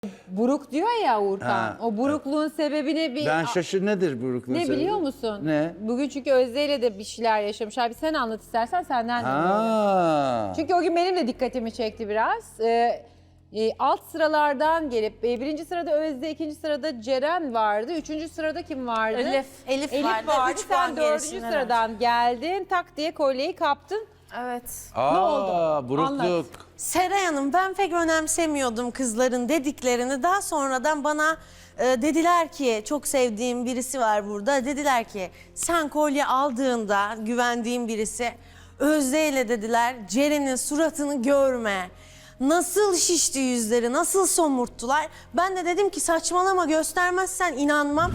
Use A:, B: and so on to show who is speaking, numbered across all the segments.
A: Buruk diyor ya Uğurkan.
B: Ha,
A: o burukluğun sebebini bir...
B: Ben şaşır nedir burukluğun
A: Ne
B: sebebi?
A: biliyor musun?
B: Ne?
A: Bugün çünkü Özde ile de bir şeyler yaşamışlar. Bir sen anlat istersen senden dinleyelim.
B: Ha.
A: Çünkü o gün benim de dikkatimi çekti biraz. Alt sıralardan gelip birinci sırada Özde, ikinci sırada Ceren vardı. Üçüncü sırada kim vardı?
C: Elif
A: Elif vardı. Sen dördüncü sıradan geldin. Tak diye kolyeyi kaptın.
C: Evet.
B: Aa,
A: Ne oldu?
B: burukluk.
A: Anlat.
C: Seray Hanım, ben pek önemsemiyordum kızların dediklerini. Daha sonradan bana dediler ki, çok sevdiğim birisi var burada. Dediler ki sen kolye aldığında güvendiğim birisi, Özde ile dediler Ceren'in suratını görme. Nasıl şişti yüzleri, nasıl somurttular. Ben de dedim ki saçmalama, göstermezsen inanmam.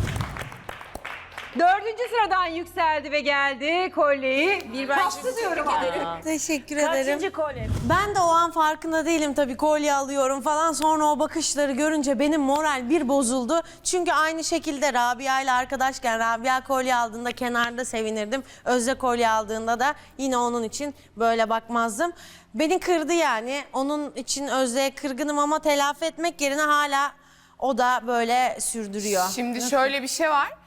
A: Dördüncü sıradan yükseldi ve geldi kolyeyi. Bir ben kaptı diyorum.
C: Teşekkür ederim.
D: Kaçıncı kolye?
C: Ben de o an farkında değilim tabii, kolye alıyorum falan. Sonra o bakışları görünce benim moral bir bozuldu. Çünkü aynı şekilde Rabia ile arkadaşken Rabia kolye aldığında kenarda sevinirdim. Özde kolye aldığında da yine onun için böyle bakmazdım. Beni kırdı yani. Onun için Özde'ye kırgınım ama telafi etmek yerine hala o da böyle sürdürüyor.
E: Şimdi şöyle bir şey var.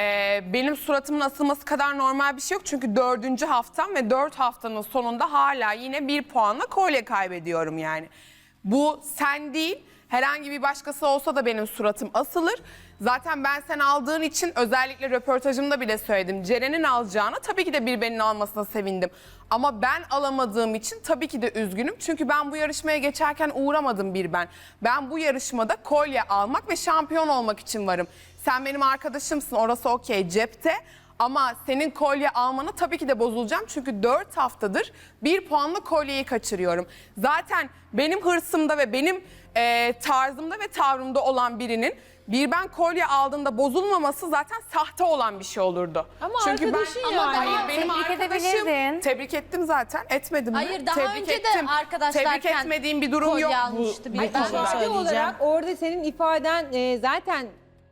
E: Benim suratımın asılması kadar normal bir şey yok. Çünkü 4. haftam ve 4 haftanın sonunda hala yine 1 puanla kolye kaybediyorum yani. Bu sen değil, herhangi bir başkası olsa da benim suratım asılır. Zaten ben sen aldığın için özellikle röportajımda bile söyledim. Ceren'in alacağına tabii ki de bir benim almasına sevindim. Ama ben alamadığım için tabii ki de üzgünüm. Çünkü ben bu yarışmaya geçerken uğramadım bir ben. Ben bu yarışmada kolye almak ve şampiyon olmak için varım. Sen benim arkadaşımsın, orası okey, cepte. Ama senin kolye almana tabii ki de bozulacağım. Çünkü 4 haftadır 1 puanla kolyeyi kaçırıyorum. Zaten benim hırsımda ve benim tarzımda ve tavrımda olan birinin bir ben kolye aldığında bozulmaması zaten sahte olan bir şey olurdu.
A: Ama
E: Çünkü
A: arkadaşın
E: ben,
A: yani.
E: Hayır, benim
F: Tebrik
E: arkadaşım.
F: edebilirdin.
E: Tebrik ettim zaten. Etmedim mi?
F: Hayır, daha
E: Tebrik
F: önce de
E: ettim.
F: arkadaşlarken
E: Tebrik etmediğim bir durum
F: kolye
E: yok.
F: almıştı bir
C: Ay,
F: tane.
C: bir şey
A: İfade
C: söyleyeceğim.
A: olarak orada senin ifaden zaten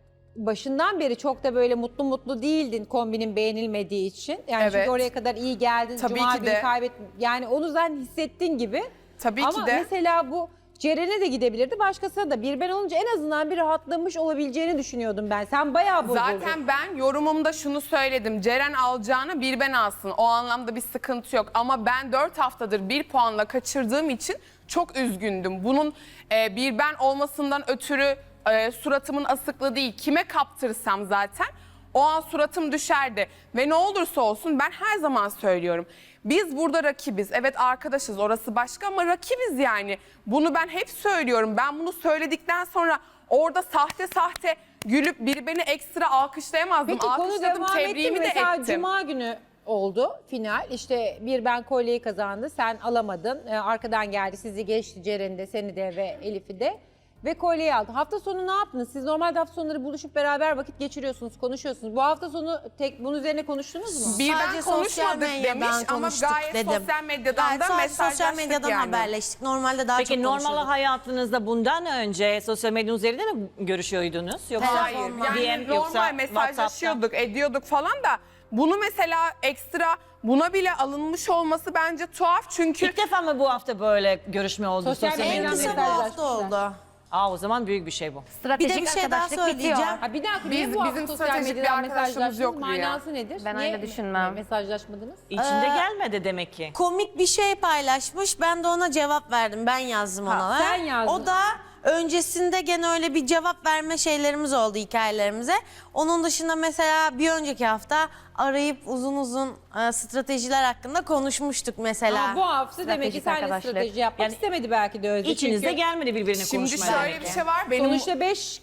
A: başından beri çok da böyle mutlu değildin kombinin beğenilmediği için. Yani
E: Evet.
A: çünkü oraya kadar iyi geldin.
E: Tabii
A: Cuma
E: ki
A: günü
E: de.
A: yani onu zaten hissettin gibi.
E: Tabii
A: Ama
E: ki de.
A: mesela bu Ceren'e de gidebilirdi. Başkasına da bir ben olunca en azından bir rahatlamış olabileceğini düşünüyordum ben. Sen bayağı bozuldun.
E: Zaten ben yorumumda şunu söyledim. Ceren alacağını bir ben alsın. O anlamda bir sıkıntı yok. Ama ben 4 haftadır 1 puanla kaçırdığım için çok üzgündüm. Bunun bir ben olmasından ötürü suratımın asıklığı değil. Kime kaptırsam zaten o an suratım düşerdi. Ve ne olursa olsun ben her zaman söylüyorum. Biz burada rakibiz. Evet arkadaşız, orası başka ama rakibiz yani. Bunu ben hep söylüyorum. Ben bunu söyledikten sonra orada sahte gülüp biri beni ekstra alkışlayamazdım.
A: Peki konu
E: Alkışladım,
A: devam etti mi?
E: tebriğimi de
A: Mesela
E: ettim.
A: Cuma günü oldu final. İşte bir ben kolyeyi kazandı. Sen alamadın. Arkadan geldi. Sizi geçti, Ceren'i de, seni de ve Elif'i de. Ve kolyeyi aldı. Hafta sonu ne yaptınız? Siz normalde hafta sonları buluşup beraber vakit geçiriyorsunuz, konuşuyorsunuz. Bu hafta sonu bunun üzerine konuştunuz mu?
E: Bir ben
C: Sadece sosyal
E: konuşmadık
C: medyadan
E: demiş ama
C: konuştuk
E: gayet
C: dedim.
E: sosyal medyadan
C: Gayet
E: da
C: sadece
E: mesajlaştık
C: sosyal medyadan
E: yani.
C: haberleştik. Normalde daha
D: Peki
C: çok
D: normal
C: konuşuyorduk.
D: hayatınızda bundan önce sosyal medya üzerinde mi görüşüyordunuz? Yoksa
E: Hayır, yani
D: DM, yoksa
E: normal mesajlaşıyorduk, ediyorduk falan da bunu mesela ekstra buna bile alınmış olması bence tuhaf çünkü
D: İlk defa mı bu hafta böyle görüşme oldu
A: Sosyal
D: sosyal,
A: medyadan
D: medyada?
C: En kısa bu hafta
A: mesajlaşmışlar.
C: oldu.
D: O zaman büyük bir şey bu.
F: Stratejik
C: Bir de bir şey daha
F: arkadaşlık
C: söyleyeceğim.
F: bitiyor.
A: Ha bir dakika,
E: Biz-
A: niye bu hafta
E: bizim
A: sosyal
E: stratejik bir
A: medyadan
E: arkadaşlığımız
A: mesajlaştınız?
E: yok Rüya.
A: Manası nedir?
F: Ben
A: Niye
F: öyle düşünmem.
A: mesajlaşmadınız?
D: İçinde gelmedi demek ki.
C: Komik bir şey paylaşmış. Ben de ona cevap verdim. Ben yazdım ona.
A: sen yazdın.
C: O da öncesinde gene öyle bir cevap verme şeylerimiz oldu hikayelerimize. Onun dışında mesela bir önceki hafta arayıp uzun stratejiler hakkında konuşmuştuk mesela.
A: Ama bu hafta demek ki
F: Stratejik
A: seninle
F: arkadaşlık.
A: strateji yapmak
D: Yani
A: istemedi belki de Özde.
D: İçinizde
A: Çünkü
D: gelmedi birbirine
E: şimdi
D: konuşmaya.
E: şöyle bir şey var. Benim
A: sonuçta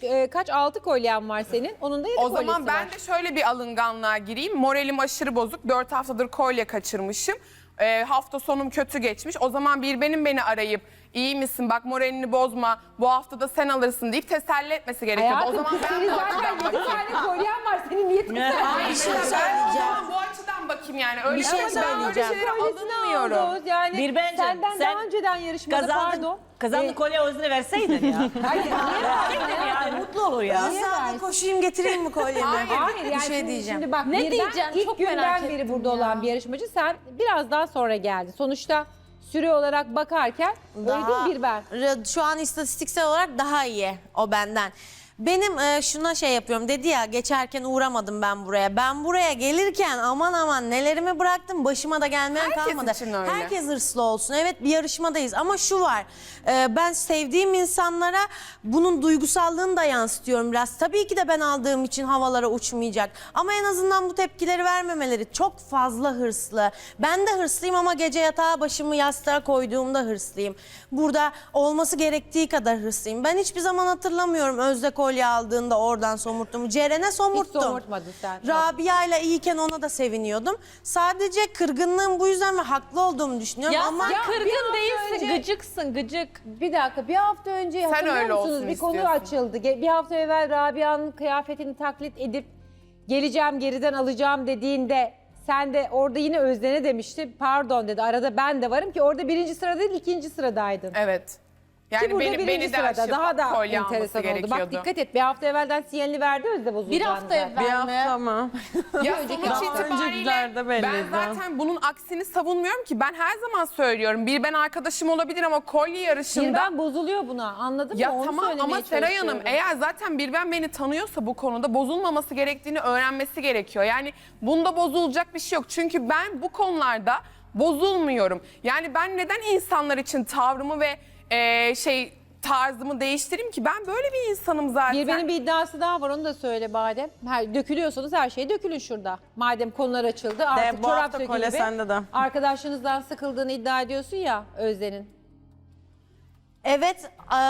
A: 6 kolyen var senin. Onun da 7
E: O
A: kolyesi
E: zaman
A: var.
E: ben de şöyle bir alınganlığa gireyim. Moralim aşırı bozuk. 4 haftadır kolye kaçırmışım. Hafta sonum kötü geçmiş. O zaman bir beni arayıp iyi misin bak moralini bozma bu hafta da sen alırsın deyip teselli etmesi gerekiyordu.
A: Hayatım
E: O zaman
A: kız
E: ben
A: senin
E: bu
A: zaten
E: açıdan
A: 7
E: bakayım.
A: tane kolyen var. Senin niye teselli?
C: Bir şey
E: Ben o
C: söyleyeceğim.
E: zaman bu açıdan bakayım yani. Öyle
C: Bir şey
E: ben öyle
C: söyleyeceğim.
E: şeylere alınmıyorum.
A: Yani
D: Bir bence
A: senden
D: sen
A: daha önceden yarışmada pardon.
D: Kazandın kolye Özde'ne verseydin ya.
A: Hayır, niye
D: Verseydin ya, mutlu olur ya.
C: Hızlı koşayım getireyim mi kolyemi?
A: Hayır yani
C: bir şey
A: şimdi,
C: diyeceğim.
A: şimdi bak
F: Ne
A: birden
F: diyeceksin?
A: ilk
F: Çok
A: günden
F: merak
A: beri
F: ettim
A: burada
F: ya.
A: olan bir yarışmacı sen biraz daha sonra geldin. Sonuçta süre olarak bakarken öyle değil bir ben.
C: Şu an istatistiksel olarak daha iyi o benden. Benim şuna şey yapıyorum, dedi ya geçerken uğramadım ben buraya. Ben buraya gelirken aman aman nelerimi bıraktım, başıma da gelmeyen
E: Herkes
C: kalmadı.
E: için öyle.
C: Herkes hırslı olsun. Evet, bir yarışmadayız ama şu var, ben sevdiğim insanlara bunun duygusallığını da yansıtıyorum biraz. Tabii ki de ben aldığım için havalara uçmayacak ama en azından bu tepkileri vermemeleri. Çok fazla hırslı. Ben de hırslıyım ama gece yatağa başımı yastığa koyduğumda hırslıyım. Burada olması gerektiği kadar hırslıyım. Ben hiçbir zaman hatırlamıyorum Özde kolye aldığında oradan somurttum. Ceren'e somurttum.
A: Hiç somurtmadın sen.
C: Rabia ile iyiyken ona da seviniyordum. Sadece kırgınlığım bu yüzden ve haklı olduğumu düşünüyorum
D: Ya
C: ama
D: sen
A: bir
D: kırgın
A: hafta
D: değilsin,
A: önce-
D: gıcıksın, gıcık.
A: Bir dakika, bir hafta önce
E: Sen
A: hatırlıyor
E: öyle
A: musunuz?
E: olsun
A: Bir konu
E: istiyorsun.
A: açıldı. Bir hafta evvel Rabia'nın kıyafetini taklit edip geleceğim geriden alacağım dediğinde sen de orada yine Özden'e demişti. Pardon dedi, arada ben de varım ki orada 1. sırada değil 2. sıradaydın.
E: Evet.
A: Ki
E: Yani
A: burada
E: beni
A: 1.
E: de
A: sırada
E: aşıp
A: daha da
E: kolye alması
A: enteresan oldu. Bak
E: gerekiyordu.
A: dikkat et, bir hafta evvelden sinyalini verdi Özde bozulacağını.
F: Bir hafta
A: zaten.
F: evvel mi?
G: mı?
E: Ya
A: önceki
E: sonuç
A: hafta.
E: itibariyle
G: Öncekilerde belliydi.
E: ben zaten bunun aksini savunmuyorum ki. Ben her zaman söylüyorum. Bir ben arkadaşım olabilir ama kolye yarışında...
A: Bir ben bozuluyor buna, anladın
E: Ya
A: mı? Onu
E: tamam ama
A: söylemeye
E: Seray Hanım
A: çalışıyorum.
E: eğer zaten bir ben beni tanıyorsa bu konuda bozulmaması gerektiğini öğrenmesi gerekiyor. Yani bunda bozulacak bir şey yok. Çünkü ben bu konularda bozulmuyorum. Yani ben neden insanlar için tavrımı ve tarzımı değiştireyim ki? Ben böyle bir insanım zaten.
A: Bir benim bir iddiası daha var, onu da söyle Badem. Dökülüyorsanız her şeye dökülün şurada. Madem konular açıldı artık
G: bu
A: çorap
G: hafta
A: sökü
G: kolye
A: gibi.
G: sende de.
A: Arkadaşlarınızdan sıkıldığını iddia ediyorsun ya Özden'in.
C: evet,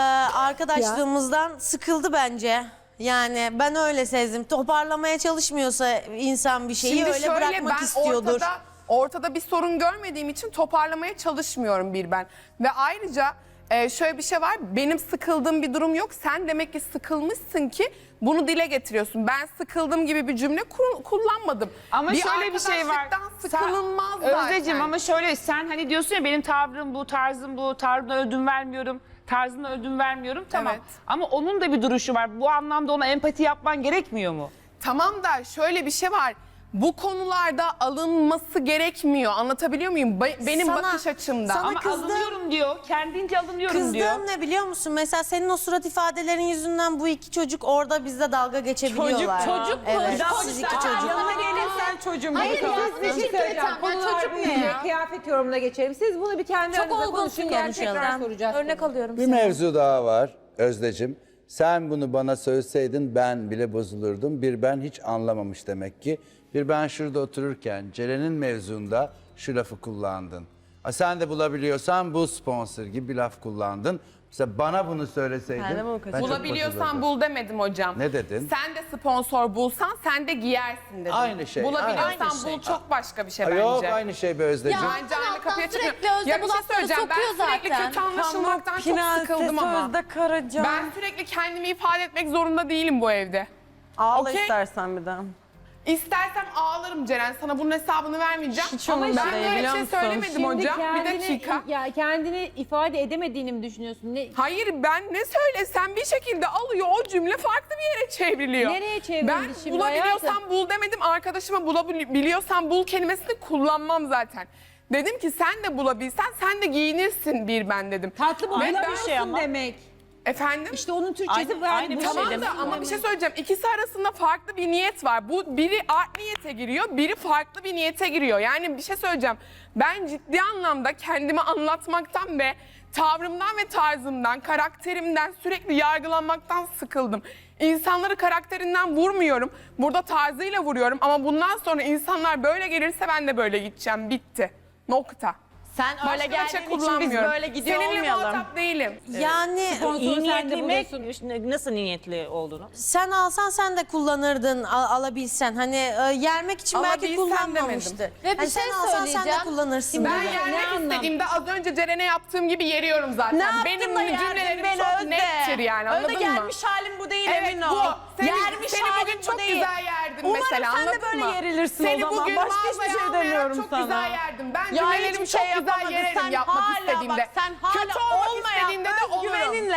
C: arkadaşlığımızdan sıkıldı bence. Yani ben öyle sezdim. Toparlamaya çalışmıyorsa insan bir şeyi
E: Şimdi
C: öyle
E: şöyle,
C: bırakmak
E: ben
C: istiyordur.
E: ortada bir sorun görmediğim için toparlamaya çalışmıyorum bir ben. Ve ayrıca şöyle bir şey var, benim sıkıldığım bir durum yok. Sen demek ki sıkılmışsın ki bunu dile getiriyorsun. Ben sıkıldım gibi bir cümle kullanmadım.
H: Ama şöyle bir şey var.
E: Arkadaşlıktan sıkılınmaz zaten.
H: Özdeciğim ama şöyle sen hani diyorsun ya benim tavrım bu, tarzım bu, tarzına ödün vermiyorum, tarzına ödün vermiyorum. Tamam.
E: Evet.
H: Ama onun da bir duruşu var. Bu anlamda ona empati yapman gerekmiyor mu?
E: Tamam da şöyle bir şey var. Bu konularda alınması gerekmiyor. Anlatabiliyor muyum? Benim
C: Sana-
E: bakış açımda.
C: sana
H: Ama
C: kızdım.
H: alınıyorum diyor. Kendince alınıyorum diyor.
C: Kızdığım ne biliyor musun? Mesela senin o surat ifadelerin yüzünden bu iki çocuk orada bizle dalga geçebiliyorlar.
D: Çocuk mu?
C: Evet,
D: Çocuk
C: siz
D: da-
C: iki çocuk.
G: Yanına gelirsen çocuğum.
F: Hayır ya,
A: Bir şey söyleyeceğim. Konular
F: çocuk ne
A: büyüyünce
F: ya?
A: kıyafet yorumuna geçelim. Siz bunu bir kendi
F: Çok
A: aranızda
F: olgunsun
A: konuşun. Gel tekrar
F: gerçekten.
A: soracağız.
F: Örnek alıyorum
B: Bir
F: seni.
B: mevzu daha var Özdeciğim. Sen bunu bana söyleseydin ben bile bozulurdum. Bir ben hiç anlamamış demek ki. Bir ben şurada otururken Ceren'in mevzunda şu lafı kullandın. Sen de bulabiliyorsan bu sponsor gibi bir laf kullandın. Mesela bana bunu söyleseydin
G: Ben de bunu
B: ben çok
E: Bulabiliyorsan
B: bozulurdum.
E: bul demedim hocam.
B: Ne dedin?
E: Sen de sponsor bulsan sen de giyersin dedim.
B: Aynı şey,
E: Bulabiliyorsan
B: aynı şey.
E: bul çok başka bir şey
B: Ay,
E: bence.
B: Yok aynı şey be Özdeciğim.
F: Ya,
E: Bence aynı
F: alttan
E: kapıya
F: sürekli
E: çıkmıyor.
F: Özde
E: Ya bir
F: bu
E: şey
F: lafları
E: söyleyeceğim. Ben
F: sokuyor
E: sürekli
F: zaten.
E: kötü anlaşılmaktan çok sıkıldım ama.
G: Özde Karacan.
E: Ben sürekli kendimi ifade etmek zorunda değilim bu evde.
G: Ağla
E: Okey.
G: istersen bir daha.
E: İstersem ağlarım Ceren. Sana bunun hesabını vermeyeceğim.
G: Hiç
E: Ama
G: umurumda
E: ben
G: değil,
E: böyle bir
G: biliyor
E: şey
G: musun?
E: söylemedim
A: Şimdi
E: hocam. Bir dakika.
A: Ya kendini ifade edemediğini mi düşünüyorsun? Ne,
E: Hayır ben ne söylesem bir şekilde alıyor o cümle farklı bir yere çevriliyor.
A: Nereye çevrildi
E: Ben
A: şimdi
E: bulabiliyorsan
A: hayatım?
E: bul demedim. Arkadaşıma bulabiliyorsan bul kelimesini kullanmam zaten. Dedim ki sen de bulabilsen sen de giyinirsin bir ben dedim.
A: tatlı
E: Ve
A: bulabiliyorsun
E: ben-
D: şey ama.
A: demek.
E: Efendim?
A: İşte onun Türkçesi
D: Aynı-
A: var.
D: aynı bir şey
E: Tamam
D: demek
E: da ama bir şey söyleyeceğim. İkisi arasında farklı bir niyet var. Bu biri art niyete giriyor, biri farklı bir niyete giriyor. Yani bir şey söyleyeceğim. Ben ciddi anlamda kendimi anlatmaktan ve tavrımdan ve tarzımdan, karakterimden sürekli yargılanmaktan sıkıldım. İnsanları karakterinden vurmuyorum. Burada tarzıyla vuruyorum ama bundan sonra insanlar böyle gelirse ben de böyle gideceğim. Bitti. Nokta.
G: Sen
E: Başka
G: öyle
E: bir şey
G: geldiğin için biz
E: kullanmıyorum.
G: böyle gidiyor
E: Seninle
G: olmayalım.
E: muhatap değilim.
C: Yani
D: İyi
A: sen de
D: niyetli mi?
A: buluyorsun.
D: Nasıl niyetli olduğunu?
C: sen alsan sen de kullanırdın alabilsen. Hani yermek için belki
E: Alabilsen
C: kullanmamıştı.
E: demedim.
F: Ve bir
C: Hani
F: şey
C: sen alsan sen de
F: söyleyeceğim.
C: kullanırsın.
E: Ben
C: dedi.
E: yermek
A: anlam?
E: istediğimde az önce Ceren'e yaptığım gibi yeriyorum zaten.
G: Ne yaptın
E: Benim
G: da yerdin
E: cümlelerim
G: beni
E: çok
G: Özde?
E: nettir yani anladın
G: Özde
E: mı?
G: gelmiş halim bu değil
E: Evet
G: emin
E: bu.
G: ol.
E: Seni,
G: Yermiş
E: seni
G: halim
E: bugün
G: bu
E: çok
G: değil.
E: güzel yerdim
G: Umarım
E: mesela
G: sen de
E: anladın
G: böyle
E: mı?
G: yerilirsin o
E: Seni
G: zaman.
E: bugün
G: Başka hiçbir
E: mağazaya
G: şey
E: almayarak
G: demiyorum
E: çok
G: sana.
E: güzel yerdim. Ben
G: Ya
E: cümlelerimi
G: hiçbir şey
E: çok güzel
G: yapamadın.
E: yererim
G: Sen
E: yapmak
G: hala
E: istediğimde.
G: bak sen hala
E: Kötü olmak
G: olmayan
E: istediğinde de olurum.
G: özgüveninle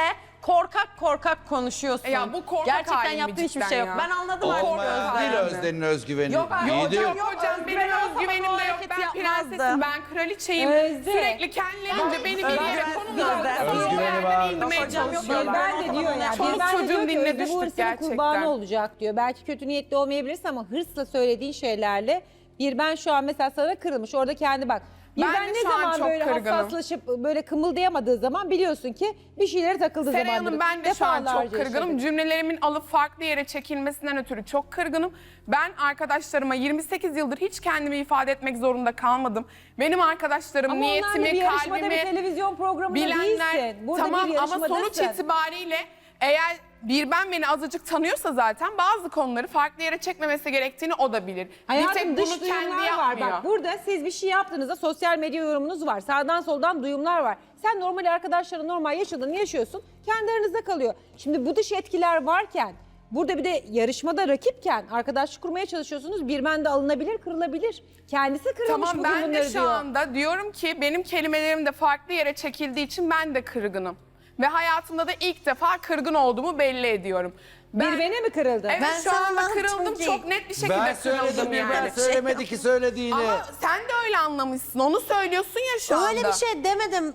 G: korkak konuşuyorsun.
E: Ya bu korkak
G: Gerçekten
E: halim mi
G: yaptığın hiçbir
E: cidden
G: şey yok.
E: ya?
G: Ben anladım artık.
B: Olmaz değil Özden'in özgüveni.
G: Yok,
B: İyi değil.
E: Hocam benim özgüvenim de yok.
G: hareket
E: Ben
G: yapmazdı.
E: prensesim, ben kraliçeyim.
A: Özde.
E: Sürekli kendilerince beni bir yere konumlandırıp
B: Özgüveni var.
E: indirmeye
G: Hocam yok,
E: çalışıyorlar.
A: Ben de diyor ya.
E: Çoluk
A: Bir ben de
E: çocuğun
A: diyor ki
E: diline
A: Özde bu
E: düştük
A: hırsının
E: gerçekten.
A: kurbanı olacak diyor. Belki kötü niyetli olmayabilirsin ama hırsla söylediğin şeylerle bir ben şu an mesela sana kırılmış. Orada kendi bak. Bir
E: Ben
A: ben
E: de
A: ne
E: şu an
A: zaman
E: çok
A: böyle
E: kırgınım.
A: hassaslaşıp böyle kımıldayamadığı zaman biliyorsun ki bir şeylere takıldığı
E: Seray
A: zamandır.
E: Hanım ben de şu an
A: Defalarca
E: çok kırgınım.
A: yaşadık.
E: Cümlelerimin alıp farklı yere çekilmesinden ötürü çok kırgınım. Ben arkadaşlarıma 28 yıldır hiç kendimi ifade etmek zorunda kalmadım. Benim arkadaşlarım
A: Ama onlar da bir
E: niyetimi,
A: yarışmada bir
E: kalbimi
A: televizyon programında
E: bilenler.
A: değilsin. Burada
E: Tamam
A: bir
E: ama
A: yarışmadasın.
E: sonuç itibariyle eğer bir ben beni azıcık tanıyorsa zaten bazı konuları farklı yere çekmemesi gerektiğini o da bilir. Bir
A: Hayatım
E: tek
A: dış
E: bunu kendi
A: duyumlar var.
E: yapmıyor.
A: Bak burada siz bir şey yaptığınızda sosyal medya yorumunuz var. Sağdan soldan duyumlar var. Sen normal arkadaşların normal yaşadığını yaşıyorsun. Kendi aranızda kalıyor. Şimdi bu dış etkiler varken burada bir de yarışmada rakipken arkadaşlık kurmaya çalışıyorsunuz. Bir ben de alınabilir, kırılabilir. Kendisi kırılmış
E: Tamam
A: bugün
E: ben
A: bunları
E: de şu
A: diyor.
E: anda diyorum ki benim kelimelerim de farklı yere çekildiği için ben de kırgınım. Ve hayatımda da ilk defa kırgın olduğumu belli ediyorum.
A: Bir bene mi kırıldı?
E: Evet
C: Ben
E: şu
C: sana
E: anda
C: anlatacağım
E: kırıldım
C: ki-
E: çok net bir şekilde
B: Ben
E: kırıldım
B: söyledim
E: yani.
B: ben söylemedi ki söylediğini.
E: Ama sen de öyle anlamışsın onu söylüyorsun ya şu anda.
C: Öyle bir şey demedim.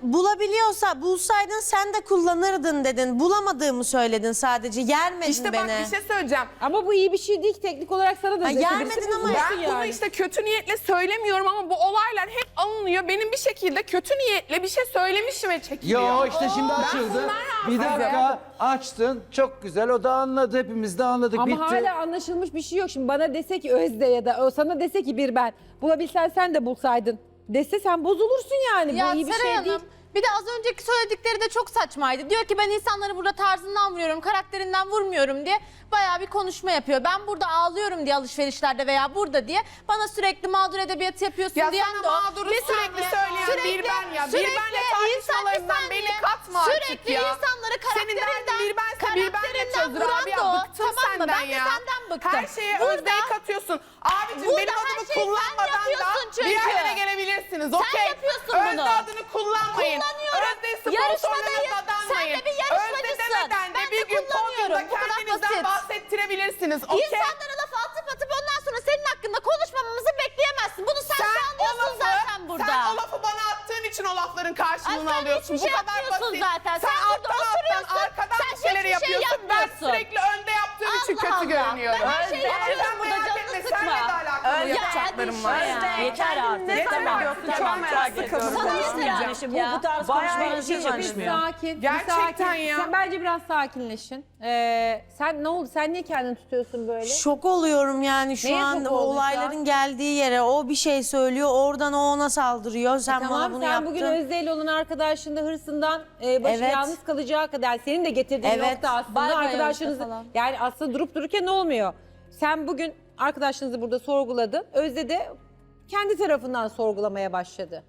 C: Bulsaydın sen de kullanırdın dedin. Bulamadığımı söyledin sadece. Yermedin
E: İşte bak
C: beni.
E: bir şey söyleyeceğim.
A: Ama bu iyi bir şey değil ki teknik olarak sana da.
C: Ha,
A: birisi
C: gelmedin ama
A: bozulsun
E: Ben bunu işte kötü niyetle söylemiyorum ama bu olaylar hep alınıyor. Benim bir şekilde kötü niyetle bir şey söylemişim ve çekiliyor.
B: Yo işte şimdi açıldı.
E: bunlar
B: Bir dakika açtın. Çok güzel. O da anladı. Hepimiz de anladık.
A: Ama
B: Bitti.
A: hala anlaşılmış bir şey yok. Şimdi bana dese ki Özde ya da o sana dese ki bir ben bulabilsen sen de bulsaydın dese sen bozulursun yani.
F: Ya
A: Bu iyi bir
F: Seray
A: şey
F: Hanım,
A: değil.
F: bir de az önceki söyledikleri de çok saçmaydı. Diyor ki ben insanları burada tarzından vuruyorum, karakterinden vurmuyorum diye bayağı bir konuşma yapıyor. Ben burada ağlıyorum diye alışverişlerde veya burada diye bana sürekli mağdur edebiyatı yapıyorsun
E: Ya
F: diyen
E: sana
F: de o.
E: mağduru sürekli söyleyen bir ben ya. Bir benle tartışmalarından beni katma artık
F: sürekli
E: ya.
F: insanları
E: Senin derdin
F: karakterinden,
E: bir bense bir benle
F: karakterinden
E: çözdür
F: vuran
E: abi
F: da
E: ya.
F: o.
E: Bıktım
F: Tamam mı?
E: senden
F: Ben de
E: ya.
F: senden bıktım.
E: Her şeye
F: Burada-
E: Özde'yi katıyorsun. Abicim
F: Burada
E: benim
F: her
E: adımı
F: şeyi sen
E: kullanmadan da
F: yapıyorsun çünkü.
E: bir yerlere gelebilirsiniz.
F: Sen
E: Okey.
F: yapıyorsun
E: Özde
F: bunu.
E: adını kullanmayın.
F: Kullanıyorum.
E: Özde'yi
F: Yarışmadayız.
E: sponsorlarına dadanmayın.
F: Sen de bir
E: Özde
F: yarışmacısın.
E: demeden de
F: Ben de
E: bir gün
F: kullanıyorum.
E: podyumda
F: Bu kadar
E: kendinizden
F: basit.
E: bahsettirebilirsiniz. Okey.
F: İnsanlara laf atıp ondan sonra senin hakkında konuşmamamızı bekleyemezsin. Bunu sen sağlıyorsun zaten burada.
E: Sen o lafı bana attığın için o lafların karşılığını
F: Sen
E: alıyorsun.
F: hiçbir şey
E: Bu kadar
F: yapmıyorsun
E: basit.
F: zaten. Sen burada
E: alttan
F: oturuyorsun,
E: arkadan
F: sen
E: bir şeyleri
F: hiçbir şey
E: yapıyorsun. Ben
F: yapmıyorsun.
E: sürekli önde yaptığım için
F: Allah
E: kötü
F: Allah.
E: görünüyorum.
F: Ben her şeyi
E: Ama
F: yapıyorum
E: sen
F: burada,
E: merak
F: canını
E: etme,
F: sıkma.
E: seninle de alakalı
F: Ya
E: yapacaklarım
F: hadi
E: var.
F: işte.
D: Yeter artık.
G: Ne söylüyorsun? Çok merak ediyorum.
F: Sana yeter
D: Yani
F: artık
D: işte
F: ya.
D: bu tarz
G: Bayağı
D: konuşmalar hiç
G: iyi
D: yakışmıyor.
A: Sakin.
E: Gerçekten
A: sakin.
E: ya.
A: Sen bence biraz sakinleşin. Sen ne oldu? Sen niye kendini tutuyorsun böyle?
C: Şok oluyorum yani şu
A: Neye
C: an
A: şok
C: o
A: oldun şu
C: olayların
A: an?
C: geldiği yere. O bir şey söylüyor, oradan o ona saldırıyor. Sen bana
A: Tamam
C: bunu
A: sen
C: yaptın.
A: bugün Özde ile olan arkadaşlığında hırsından başı
C: Evet.
A: yalnız kalacağı kadar senin de getirdiğin
C: Evet.
A: nokta aslında
F: Bay bay
A: arkadaşlarınız
F: Özde falan.
A: yani aslında durup dururken olmuyor. Sen bugün arkadaşlarınızı burada sorguladın. Özde de kendi tarafından sorgulamaya başladı.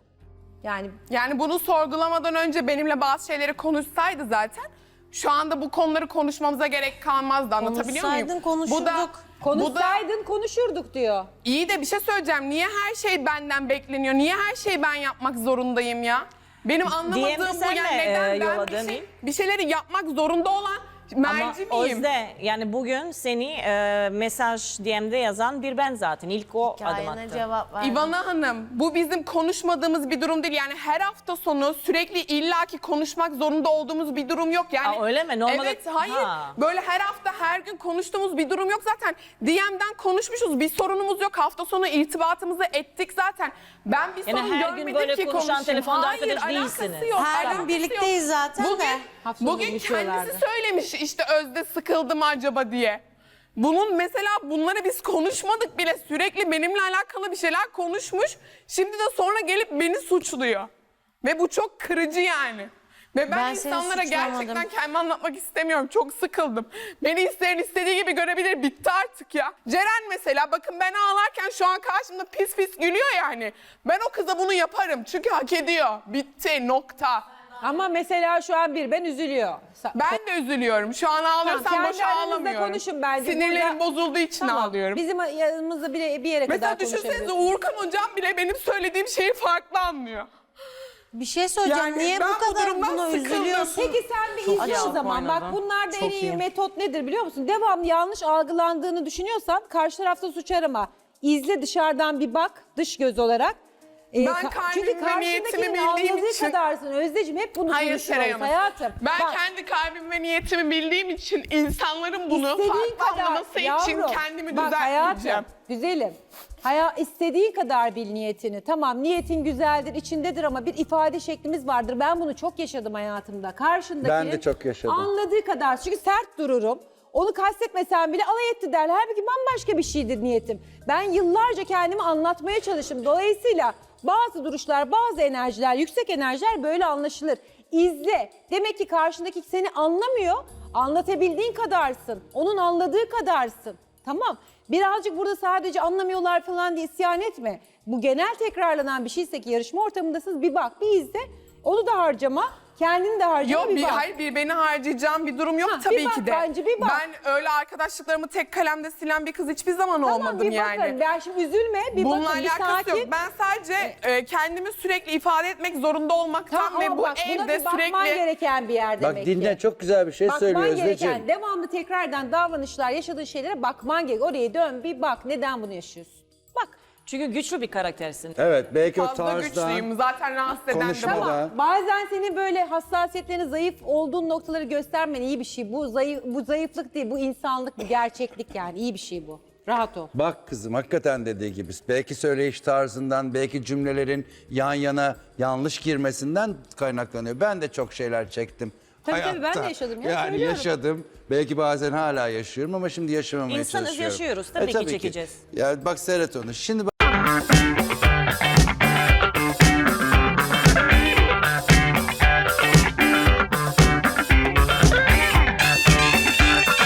A: Yani
E: bunu sorgulamadan önce benimle bazı şeyleri konuşsaydı zaten şu anda bu konuları konuşmamıza gerek kalmazdı. Anlatabiliyor muyum?
C: Konuşsaydın konuşurduk.
E: Bu da
A: konuşsaydın konuşurduk diyor.
E: iyi de bir şey söyleyeceğim. Niye her şey benden bekleniyor? Niye her şeyi ben yapmak zorundayım ya? Benim anlamadığım bu
D: sen
E: yani
D: mi,
E: neden ben
D: yolladın?
E: bir şeyleri yapmak zorunda olan merci
D: Ama
E: miyim?
D: Özde yani bugün seni mesaj DM'de yazan bir ben zaten. İlk o adım
C: Hikayene
D: attı.
C: cevap verdim.
E: İvana Hanım, bu bizim konuşmadığımız bir durum değil. Yani her hafta sonu sürekli illaki konuşmak zorunda olduğumuz bir durum yok. Yani
D: Aa, öyle mi? Normalde-
E: Evet, hayır.
D: Ha.
E: Böyle her hafta, her gün konuştuğumuz bir durum yok zaten. DM'den konuşmuşuz, bir sorunumuz yok. Hafta sonu irtibatımızı ettik zaten. Ben bir
D: Yani
E: sorun
D: her gün
E: görmedim
D: böyle
E: ki
D: konuşan
E: konuşayım.
D: telefonda
E: Hayır,
D: arkadaş
E: alakası
D: değilsiniz.
E: yok,
C: Her gün
E: alakası
C: birlikteyiz
E: yok.
C: zaten de.
A: Hafta sonu
E: Bugün
A: buluşuyorlardı.
E: kendisi söylemiş işte Özde sıkıldı mı acaba diye. Bunları biz konuşmadık bile. Sürekli benimle alakalı bir şeyler konuşmuş. Şimdi de sonra gelip beni suçluyor. Ve bu çok kırıcı yani. Ve ben
C: Ben seni
E: insanlara
C: suçlamadım.
E: gerçekten kendimi anlatmak istemiyorum. Çok sıkıldım. Beni isteyen istediği gibi görebilir. Bitti artık ya. Ceren mesela bakın ben ağlarken şu an karşımda pis pis gülüyor yani. Ben o kıza bunu yaparım. Çünkü hak ediyor. Bitti nokta.
A: Ama mesela şu an bir ben üzülüyor.
E: Ben de üzülüyorum. Şu an ağlıyorsam
A: Tamam,
E: boş
A: kendi aranızda
E: ağlamıyorum.
A: konuşun bence.
E: Sinirlerim
A: Burada-
E: bozulduğu için
A: Tamam,
E: ağlıyorum.
A: Bizim yanımızda bir yere
E: Mesela
A: kadar
E: düşünsenize
A: konuşabiliriz.
E: Uğurkan hocam bile benim söylediğim şeyi farklı anlıyor.
C: Bir şey söyleyeceğim.
E: Yani
C: Niye
E: ben
C: bu
E: bu
C: kadar
E: durumdan
C: buna
E: sıkıldım.
C: üzülüyorsun?
A: Peki sen bir izle o zaman. Bak bunlarda en iyi metot nedir biliyor musun? Devamlı yanlış algılandığını düşünüyorsan karşı tarafta suç arama. İzle, dışarıdan bir bak, dış göz olarak.
E: Ben
A: Çünkü
E: kalbimi ve niyetimi
A: karşındakinin
E: bildiğim
A: anladığı
E: için-
A: kadarsın Özdeciğim, hep bunu
E: Hayır
A: konuşuyoruz
E: Seray Hanım.
A: hayatım.
E: Ben
A: Bak,
E: kendi kalbimi ve niyetimi bildiğim için insanların bunu
A: istediğin
E: farklı anlaması için
A: yavrum,
E: kendimi
A: bak
E: düzeltmeyeceğim.
A: hayatım, güzelim. İstediğin kadar bil niyetini. Tamam, niyetin güzeldir, içindedir ama bir ifade şeklimiz vardır. Ben bunu çok yaşadım hayatımda. Karşındakinin
B: Ben de çok yaşadım.
A: anladığı kadar. Çünkü sert dururum. Onu kastetmesem bile alay etti derler. Halbuki bambaşka bir şeydir niyetim. Ben yıllarca kendimi anlatmaya çalıştım. Dolayısıyla bazı duruşlar, bazı enerjiler, yüksek enerjiler böyle anlaşılır. İzle. Demek ki karşındaki seni anlamıyor. Anlatabildiğin kadarsın. Onun anladığı kadarsın. Tamam. Birazcık burada sadece anlamıyorlar falan diye isyan etme. Bu genel tekrarlanan bir şeyse ki yarışma ortamındasınız, bir bak, bir izle. Onu da harcama, kendini de harcama,
E: Yok
A: bir bak.
E: hayır beni harcayacağım bir durum yok
A: Ha,
E: tabii
A: bir bak
E: ki de.
A: bence, bir bak.
E: Ben öyle arkadaşlıklarımı tek kalemde silen bir kız hiçbir zaman
A: Tamam,
E: olmadım
A: bir
E: yani.
A: bakın. Ben şimdi üzülme, bir
E: Bununla
A: bakın, bir
E: alakası
A: sakin.
E: yok. Ben sadece kendimi sürekli ifade etmek zorunda olmaktan
A: Tamam,
E: ve
A: ama
E: bu
A: bak, buna
E: evde
A: bir bakman
E: sürekli...
A: gereken bir yer demek
B: Bak dinle,
A: ki.
B: çok güzel bir şey söylüyor
A: Bakman
B: Özdeciğim.
A: gereken, devamlı tekrardan davranışlar, yaşadığın şeylere bakman gerek. Oraya dön, bir bak, neden bunu yaşıyorsun? Bak.
D: Çünkü güçlü bir karaktersin.
B: Evet, belki o
E: Fazla
B: tarzdan,
E: güçlüyüm. Zaten rahatsız eden de
B: konuşmadan-
E: bu.
B: Tamam.
A: Bazen senin böyle hassasiyetlerini, zayıf olduğun noktaları göstermen iyi bir şey. Bu zayıflık değil, bu insanlık, bu gerçeklik yani. İyi bir şey bu. Rahat ol.
B: Bak kızım, hakikaten dediği gibi. Belki söyleyiş tarzından, belki cümlelerin yan yana yanlış girmesinden kaynaklanıyor. Ben de çok şeyler çektim.
A: Tabii, ben de
B: hayatta.
A: yaşadım ya,
B: Yani
A: söylüyorum.
B: yaşadım. Belki bazen hala yaşıyorum ama şimdi yaşamamaya
D: İnsanız,
B: çalışıyorum.
D: yaşıyoruz. Tabii ki
B: tabii
D: çekeceğiz.
B: Ya bak seyret onu. Şimdi